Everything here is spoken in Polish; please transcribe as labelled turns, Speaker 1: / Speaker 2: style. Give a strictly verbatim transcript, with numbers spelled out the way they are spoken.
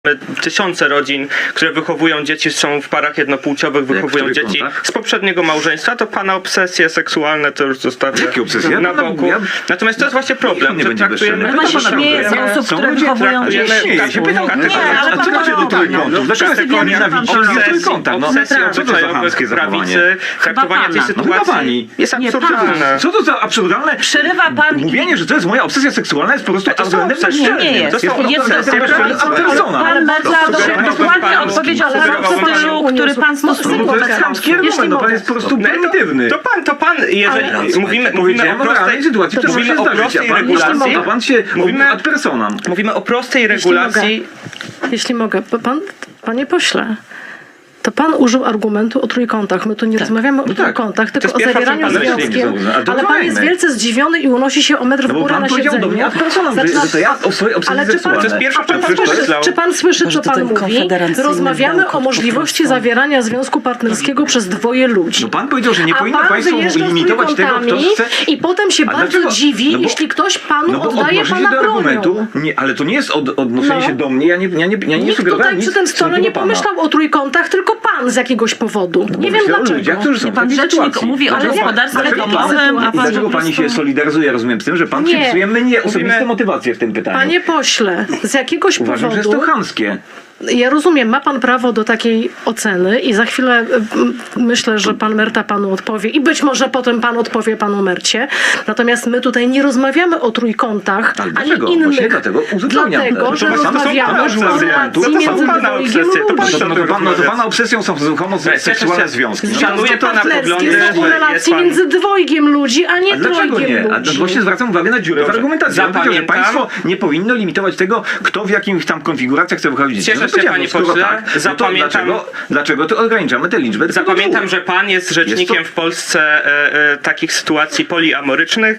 Speaker 1: Tysiące rodzin, które wychowują dzieci, są w parach jednopłciowych, wychowują dzieci
Speaker 2: kątach?
Speaker 1: z poprzedniego małżeństwa, to pana obsesje seksualne to już zostawię
Speaker 2: Jakie obsesje?
Speaker 1: na
Speaker 2: Ja pana
Speaker 1: boku.
Speaker 2: mówię, ja-
Speaker 1: Natomiast to jest właśnie problem,
Speaker 2: nie
Speaker 1: że
Speaker 2: będzie
Speaker 1: traktujemy...
Speaker 2: bezczelny.
Speaker 3: Pan się
Speaker 2: Pana
Speaker 3: śmieje z
Speaker 2: dobra.
Speaker 3: osób,
Speaker 2: Są
Speaker 3: które
Speaker 2: ludzie,
Speaker 3: wychowują
Speaker 1: traktujemy
Speaker 3: dzieci.
Speaker 2: Śmieje się, pytał,
Speaker 1: taką
Speaker 2: nie,
Speaker 3: ale
Speaker 2: a co
Speaker 3: pan
Speaker 2: macie do
Speaker 3: robi?
Speaker 2: trójkątów? Dlaczego jest
Speaker 3: Obsesji
Speaker 2: nienawidzić
Speaker 3: pan robi.
Speaker 2: trójkąta? No,
Speaker 1: obsesji
Speaker 3: naprawdę.
Speaker 2: co to za
Speaker 1: obyczajowych
Speaker 2: chamskie zachowanie?
Speaker 1: prawicy, traktowanie tej
Speaker 3: pana.
Speaker 2: No chyba
Speaker 1: sytuacji
Speaker 2: pani.
Speaker 1: jest
Speaker 3: Nie,
Speaker 1: absurdalne.
Speaker 2: Co to za absurdalne?
Speaker 3: Przerywa pan i-
Speaker 2: Mówienie, że to jest moja obsesja seksualna jest po prostu
Speaker 1: to są
Speaker 2: argumentem
Speaker 1: obsesje.
Speaker 2: bezczelnym.
Speaker 3: Nie jest.
Speaker 1: To są
Speaker 2: po prostu
Speaker 1: obsesje.
Speaker 2: argumentem
Speaker 1: Ale-
Speaker 2: persona.
Speaker 3: Pan bardzo
Speaker 1: Sugerowałbym
Speaker 3: dokładnie
Speaker 1: panu-
Speaker 3: odpowiedział, ale w
Speaker 1: sugerowałbym
Speaker 3: stylu,
Speaker 1: panu-
Speaker 3: który pan
Speaker 2: No
Speaker 3: stosuje.
Speaker 2: to jest chamski
Speaker 3: Jeśli
Speaker 2: argument, no pan
Speaker 3: mogę.
Speaker 2: jest po prostu
Speaker 1: No,
Speaker 2: prymitywny.
Speaker 1: To pan, to pan, jeżeli
Speaker 3: Ale-
Speaker 1: mówimy, mówimy o
Speaker 2: Powiedziałem o
Speaker 1: prostej,
Speaker 2: realnej sytuacji, która
Speaker 1: mówimy
Speaker 2: może
Speaker 1: o
Speaker 2: się zdarzyć,
Speaker 1: prostej
Speaker 2: a pan,
Speaker 1: regulacji,
Speaker 2: a pan się
Speaker 1: Mówimy-
Speaker 2: ad personam.
Speaker 1: mówimy o prostej regulacji.
Speaker 4: Jeśli mogę, bo pan, panie pośle, to pan użył argumentu o trójkątach. My tu nie rozmawiamy o
Speaker 2: tak.
Speaker 4: trójkątach, tylko
Speaker 1: jest
Speaker 4: o
Speaker 1: pierwsza
Speaker 4: zawieraniu
Speaker 1: przepaść.
Speaker 4: związkiem.
Speaker 2: Ale to
Speaker 4: Ale pan
Speaker 2: rozmawiajmy.
Speaker 4: jest wielce zdziwiony i unosi się o metr w
Speaker 2: No bo
Speaker 4: górę
Speaker 2: pan
Speaker 4: na
Speaker 2: powiedział do
Speaker 4: siedzeniu.
Speaker 2: mnie ad personam, że,
Speaker 4: Zaczyna-
Speaker 2: że to ja o swojej obsesji
Speaker 4: Ale czy pan,
Speaker 2: seksualnej.
Speaker 1: To jest pierwsza
Speaker 4: a pan
Speaker 1: przepaść.
Speaker 4: słyszy,
Speaker 1: Myślał-
Speaker 4: czy pan słyszy,
Speaker 5: Może
Speaker 4: co
Speaker 5: to
Speaker 4: pan
Speaker 5: ten
Speaker 4: mówi?
Speaker 5: konfederacyjny
Speaker 4: Rozmawiamy
Speaker 5: bełkot
Speaker 4: o
Speaker 5: po
Speaker 4: możliwości
Speaker 5: prostu.
Speaker 4: zawierania związku partnerskiego przez dwoje ludzi.
Speaker 2: No pan powiedział, że nie
Speaker 4: A
Speaker 2: powinno
Speaker 4: pan
Speaker 2: państwo
Speaker 4: wyjeżdża z
Speaker 2: limitować tego, kto
Speaker 4: trójkątami
Speaker 2: chce...
Speaker 4: i potem się
Speaker 2: A
Speaker 4: bardzo
Speaker 2: dlaczego?
Speaker 4: dziwi,
Speaker 2: No bo-
Speaker 4: jeśli ktoś panu
Speaker 2: No bo
Speaker 4: oddaje
Speaker 2: odnosi się
Speaker 4: pana
Speaker 2: do argumentu,
Speaker 4: bronią.
Speaker 2: nie, ale to nie jest od, odnoszenie
Speaker 4: No.
Speaker 2: się do mnie, ja nie, ja nie, ja nie
Speaker 4: Nikt
Speaker 2: sugerowałem
Speaker 4: tutaj
Speaker 2: nic
Speaker 4: przy tym
Speaker 2: w
Speaker 4: stole
Speaker 2: stosunku
Speaker 4: nie
Speaker 2: do pana.
Speaker 4: pomyślał o trójkątach, tylko pan z jakiegoś powodu. Nie wiem
Speaker 2: Myślę o
Speaker 4: dlaczego.
Speaker 2: ludziach, którzy są w
Speaker 3: Pan
Speaker 2: takiej
Speaker 3: rzecznik
Speaker 2: sytuacji.
Speaker 3: mówi o
Speaker 2: Dlaczego-
Speaker 3: gospodarstwie
Speaker 2: dlaczego pan-
Speaker 3: domowym, a
Speaker 2: I
Speaker 3: pan
Speaker 2: dlaczego
Speaker 3: po
Speaker 2: pani
Speaker 3: prostu-
Speaker 2: się solidaryzuje, rozumiem, z tym, że pan
Speaker 4: Nie.
Speaker 2: przypisuje mnie osobiste
Speaker 1: Mówimy-
Speaker 2: motywacje w tym pytaniu?
Speaker 4: Panie pośle, z jakiegoś
Speaker 2: Uważam, że jest
Speaker 4: powodu...
Speaker 2: to chamskie.
Speaker 4: Ja rozumiem, ma pan prawo do takiej oceny i za chwilę y, m, myślę, że pan Merta panu odpowie i być może potem pan odpowie panu Mercie. Natomiast my tutaj nie rozmawiamy o trójkątach,
Speaker 2: Ale
Speaker 4: ani
Speaker 2: dlaczego?
Speaker 4: innych.
Speaker 2: Właśnie dlatego uzupełniam.
Speaker 4: Dlatego,
Speaker 2: To
Speaker 4: że
Speaker 2: są- to są
Speaker 4: rozmawiamy
Speaker 2: pana
Speaker 4: o
Speaker 2: obsesje.
Speaker 4: relacji
Speaker 2: To są
Speaker 4: między
Speaker 1: pana
Speaker 4: dwojgiem
Speaker 1: obsesje. To
Speaker 4: ludzi.
Speaker 1: pan-
Speaker 2: No to, no to, pan, no to pana obsesją są
Speaker 1: Cieszę
Speaker 2: homoseksualne
Speaker 1: się.
Speaker 2: związki. No,
Speaker 1: Szanuję
Speaker 4: Związki
Speaker 1: pana poglądy,
Speaker 4: partnerskie są o
Speaker 1: że jest
Speaker 4: relacji
Speaker 1: pan...
Speaker 4: między dwojgiem ludzi, a nie
Speaker 2: A dlaczego
Speaker 4: trojgiem
Speaker 2: nie? A
Speaker 4: ludzi.
Speaker 2: właśnie zwracam uwagę na dziurę w
Speaker 1: Dobrze.
Speaker 2: argumentacji. Ja powiedział, że
Speaker 1: Zapamiętam.
Speaker 2: państwo nie powinno limitować tego, kto w jakich tam konfiguracjach chce wychodzić dzieci.
Speaker 1: Cieszę
Speaker 2: No
Speaker 1: się,
Speaker 2: powiedziałem,
Speaker 1: panie
Speaker 2: no skoro
Speaker 1: pośle.
Speaker 2: tak, no to
Speaker 1: Zapamiętam-
Speaker 2: dlaczego, dlaczego to ograniczamy tę liczbę?
Speaker 1: Zapamiętam, że pan jest rzecznikiem
Speaker 2: Jest
Speaker 1: w Polsce e, e, takich sytuacji poliamorycznych.